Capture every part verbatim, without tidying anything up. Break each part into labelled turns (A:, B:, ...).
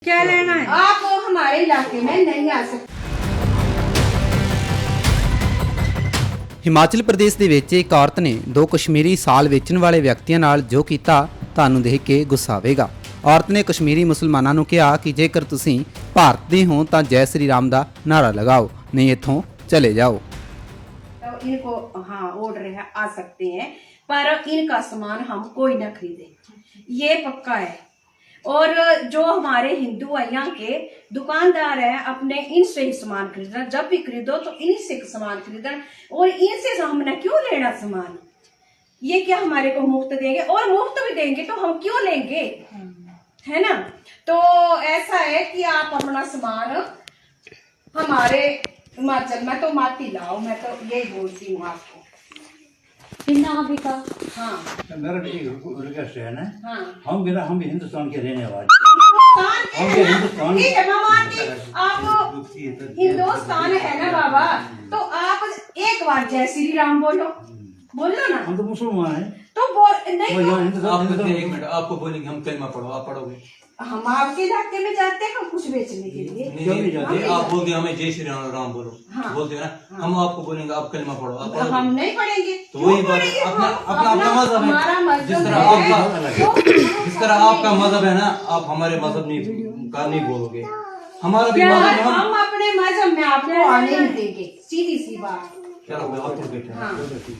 A: क्या लेना है?
B: आप हमारे इलाके में नहीं आ सकते।
C: ਹਿਮਾਚਲ ਪ੍ਰਦੇਸ਼ ਦੇ ਵਿੱਚ ਇੱਕ ਔਰਤ ਨੇ ਦੋ ਕਸ਼ਮੀਰੀ ਸਾਲ ਵੇਚਣ ਵਾਲੇ ਵਿਅਕਤੀਆਂ ਨਾਲ ਜੋ ਕੀਤਾ ਤੁਹਾਨੂੰ ਦੇਖ ਕੇ ਗੁੱਸਾ ਆਵੇਗਾ। ਔਰਤ ਨੇ ਕਸ਼ਮੀਰੀ ਮੁਸਲਮਾਨਾਂ ਨੂੰ ਕਿਹਾ ਕਿ ਜੇਕਰ ਤੁਸੀਂ ਭਾਰਤ ਦੇ ਹੋ ਤਾਂ ਜੈ श्री राम ਦਾ ਨਾਰਾ ਲਗਾਓ, ਨਹੀਂ ਇੱਥੋਂ ਚਲੇ ਜਾਓ।
B: तो इनको हाँ ऑर्डर है, आ सकते हैं, पर इनका सामान हम कोई ना खरीदे, ये पक्का है। और जो हमारे हिंदू है यहाँ के दुकानदार है, अपने इनसे ही सामान खरीदना, जब भी खरीदो तो इन्हीं से सामान खरीदना, और इनसे हमने क्यों लेना सामान? ये क्या हमारे को मुफ्त देंगे? और मुफ्त भी देंगे तो हम क्यों लेंगे, है ना? तो ऐसा है कि आप अपना सामान हमारे हिमाचल में तो माती लाओ, मैं तो यही बोलती हूँ आपको। हाँ
D: मेरा एक रिक्वेस्ट है ना,
B: हाँ
D: हम भी ना हम भी हिंदुस्तान के रहने वाले
B: हिंदुस्तान के
D: हम
B: है
D: भी
B: ना?
D: हिंदुस्तान
B: ठीक है, मैं मानती आप हिंदुस्तान है ना बाबा, तो आप एक बार जय श्री राम बोलो, बोलो ना।
D: हम तो मुसलमान हैं,
B: तो बोल नहीं
D: वो
B: तो
D: यहाँ हिंदुस्तान
E: आप
D: हिंदुस्तान-
E: एक मिनट, आपको बोलेंगे हम कलमा पढ़ो, आप पढ़ोगे?
B: हम आपके इलाके में जाते हैं कुछ बेचने के लिए।
E: नहीं,
D: क्यों नहीं
E: नहीं,
D: जाते?
E: नहीं, आप बोलते हैं हमें जय श्री राम राम बोलो,
B: हाँ।
E: बोलते हैं ना, हम आपको बोलेंगे आप कलमा पढ़ो, आप
B: हम
E: पढ़ोगे?
B: नहीं पढ़ेंगे,
E: तो
B: क्यों
E: वही बात है,
B: पढ़ेंगे?
E: अपना
B: हम-
E: अपना अपना मजहब
B: हमारा
E: है,
B: मजहब
E: जिस तरह
B: है,
E: आपका
B: तो
E: जिस तरह आपका मजहब है ना, आप हमारे मजहब नहीं का नहीं बोलोगे। हमारा भी
B: क्या
E: मजहब है,
B: हम अपने मजहब में आपको आने नहीं देंगे, सीधी सी बात।
E: चलो कोई बात नहीं, बैठे
B: हाँ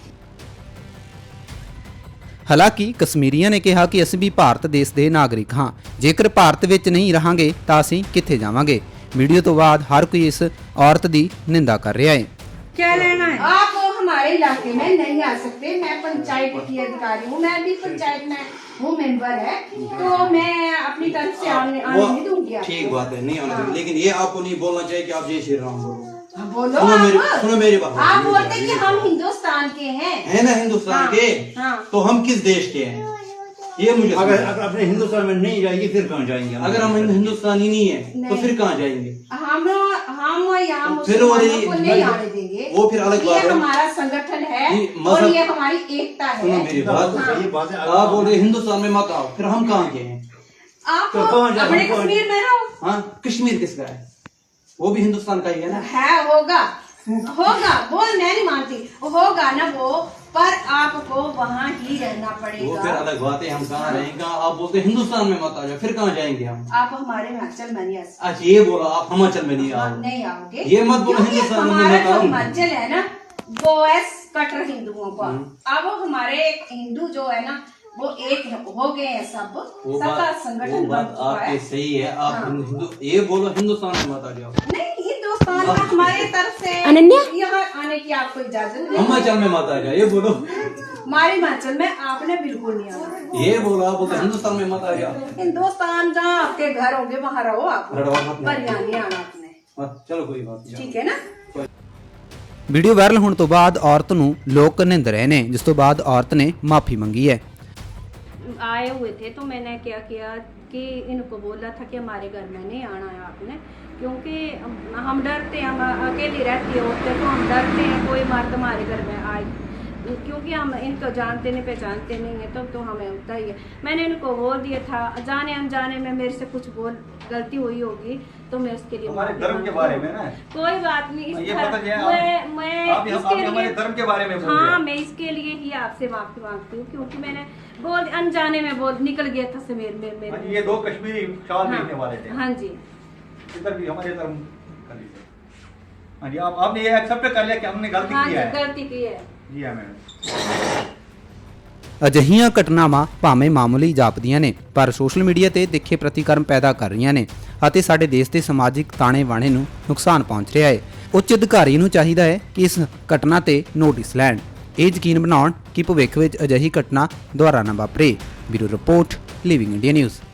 C: ਹਾਲਾਂਕਿ ਕਸ਼ਮੀਰੀਆਂ ਨੇ ਕਿਹਾ ਕਿ ਅਸੀਂ ਵੀ ਭਾਰਤ ਦੇਸ਼ ਦੇ ਨਾਗਰਿਕ ਹਾਂ, ਜੇਕਰ ਭਾਰਤ ਵਿੱਚ ਨਹੀਂ ਰਹਾਂਗੇ ਤਾਂ ਅਸੀਂ ਕਿੱਥੇ ਜਾਵਾਂਗੇ। ਵੀਡੀਓ ਤੋਂ ਬਾਅਦ हर कोई इस औरत ਦੀ ਨਿੰਦਾ ਕਰ ਰਿਹਾ ਹੈ।
A: क्या लेना है?
B: आप हमारे इलाके में नहीं आ सकते। मैं पंचायत की अधिकारी हूँ, मैं भी पंचायत में हूँ, मेंबर है, तो मैं अपनी तरफ से आने आने नहीं दूंगी आपको।
E: ठीक बात है, नहीं आना चाहिए, लेकिन ये आपको नहीं बोलना चाहिए कि आप जय श्री राम बोलो।
B: हाँ, बोलो
E: सुनो मेरी
B: आप।
E: सुनो मेरी बात,
B: आप बोलते कि हम हिंदुस्तान के हैं,
E: है ना हिंदुस्तान
B: हाँ,
E: के,
B: हाँ।
E: तो हम किस देश के हैं ये मुझे
D: अगर
E: समझाओ।
D: अगर अपने हिंदुस्तान में नहीं जाएगी फिर कहाँ जाएंगे?
E: अगर हम हिंदुस्तानी नहीं है तो
B: नहीं।
E: फिर कहाँ जाएंगे?
B: हम हम यहाँ
E: फिर वो
B: मुसलमानों
E: ये-
B: को नहीं आने देंगे।
E: वो फिर अलग बात
B: ये
E: है।
B: हमारा संगठन है
E: ये
B: और
E: मजहब-
B: ये हमारी एकता
E: सुनो
B: है।
E: मेरी बात,
B: हाँ।
D: ये बात है।
E: आप बोल रहे हिंदुस्तान में मत आओ, फिर हम कहाँ के हैं?
B: आप
D: तो कौन जा-
B: अपने
D: हम कौन-
B: कश्मीर में रहो।
E: हाँ, कश्मीर किसका है? वो भी हिंदुस्तान का ही है ना।
B: है, होगा होगा, वो मैं नहीं मानती, होगा ना वो, पर आपको वहाँ ही रहना
E: वो फिर
B: पड़ेगा।
E: अलग बात है, हम कहाँ रहेंगे? आप बोलते हैं हिंदुस्तान में मत आ जाओ, फिर कहाँ जाएंगे हम?
B: आप हमारे हिमाचल में नहीं आ सकते।
E: अच्छा ये बोला आप हिमाचल में नहीं
B: हाँ,
E: आओ,
B: नहीं आओगे,
E: ये मत बोलो
B: क्योंकि
E: हिंदुस्तान में
B: हमारा
E: मत
B: जो
E: आओ।
B: हिमाचल है ना वो है कट्टर हिंदुओं का। अब हमारे हिंदू जो है ना वो एक हो गए हैं, सब
E: वो
B: सबका
E: बात वो
B: संगठन बन
E: बात
B: चुका है।
E: आपके सही है, आप
B: हाँ।
E: हिंदू ये बोलो हिंदुस्तान में मत आ जाओ,
B: नहीं, हिंदुस्तान में हमारे तरफ से यहाँ आने की आपको इजाजत नहीं है।
E: हिमाचल में मत आ जाओ, ये बोलो।
B: हमारे हिमाचल में आपने बिल्कुल नहीं आना।
E: ये बोलो आप बोलते हिंदुस्तान में मत आ जाओ,
B: हिंदुस्तान जहाँ आपके घर होंगे वहाँ रहो आप,
E: लड़वा मत
B: पर यहाँ नहीं आना आपने,
E: मत, चलो कोई बात नहीं।
B: ठीक है ना?
C: ਵੀਡੀਓ ਵਾਇਰਲ ਹੋਣ ਤੋਂ ਬਾਅਦ ਔਰਤ ਨੂੰ ਲੋਕ ਨਿੰਦ ਰਹੇ ਨੇ, ਜਿਸ ਤੋਂ ਬਾਅਦ ਔਰਤ ਨੇ ਮਾਫੀ ਮੰਗੀ ਹੈ।
B: आए हुए थे तो मैंने क्या किया कि इनको बोला था कि हमारे घर में नहीं आना है आपने, क्योंकि हम- हम डरते हैं, हम अकेली रहती होते तो हम डरते हैं कोई मर्द हमारे घर में आए, क्योंकि हम इनको जानते नहीं पहचानते नहीं है, तब तो, तो हमें होता ही है। मैंने इनको बोल दिया था, जाने अनजाने में मेरे से कुछ बोल गलती हुई होगी तो मैं उसके लिए
F: हमारे
B: माफी
F: धर्म के
B: मांगती
F: बारे
B: हूँ।
F: में ना,
B: कोई बात नहीं, इस
F: ये
B: धर्म-
F: पता चले आप-
B: मैं मैं
F: आप यहाँ-
B: इसके
F: आप हमारे
B: लिए-
F: धर्म के बारे में बोल
B: हाँ
F: रहे हैं।
B: मैं इसके लिए ही आपसे माफी मांगती हूँ, क्योंकि मैंने बोल अनजाने में बोल निकल गया था से मेरे मेरे
F: हाँ जी,
B: मेरे
F: ये दो कश्मीरी शाल
B: हाँ,
F: बेचने वाले थे,
B: हाँ जी,
F: इधर भी हमारे धर्म का लीजिए। हाँ जी, आप आपने ये एक्सेप्ट कर लिया कि हमने गलती
B: हाँ
F: की
B: जी,
F: है?
B: गलती की है।
F: जी हाँ मैडम।
C: ਅਜਿਹੀਆਂ ਘਟਨਾਵਾਂ ਭਾਵੇਂ ਮਾਮੂਲੀ ਜਾਪਦੀਆਂ ਨੇ, ਪਰ ਸੋਸ਼ਲ ਮੀਡੀਆ ਤੇ ਤਿੱਖੇ ਪ੍ਰਤੀਕਰਮ ਪੈਦਾ ਕਰ ਰਹੀਆਂ ਨੇ ਅਤੇ ਸਾਡੇ ਦੇਸ਼ ਦੇ ਸਮਾਜਿਕ ਤਾਣੇ ਬਾਣੇ ਨੂੰ ਨੁਕਸਾਨ ਪਹੁੰਚ ਰਿਹਾ ਹੈ। ਉੱਚ ਅਧਿਕਾਰੀ ਨੂੰ ਚਾਹੀਦਾ ਹੈ ਕਿ ਇਸ ਘਟਨਾ ਤੇ ਨੋਟਿਸ ਲੈਣ, ਇਹ ਯਕੀਨ ਬਣਾਉਣ ਕਿ ਭਵਿੱਖ ਵਿੱਚ ਅਜਿਹੀ ਘਟਨਾ ਦੁਬਾਰਾ ਨਾ ਵਾਪਰੇ। Bureau report, living India news.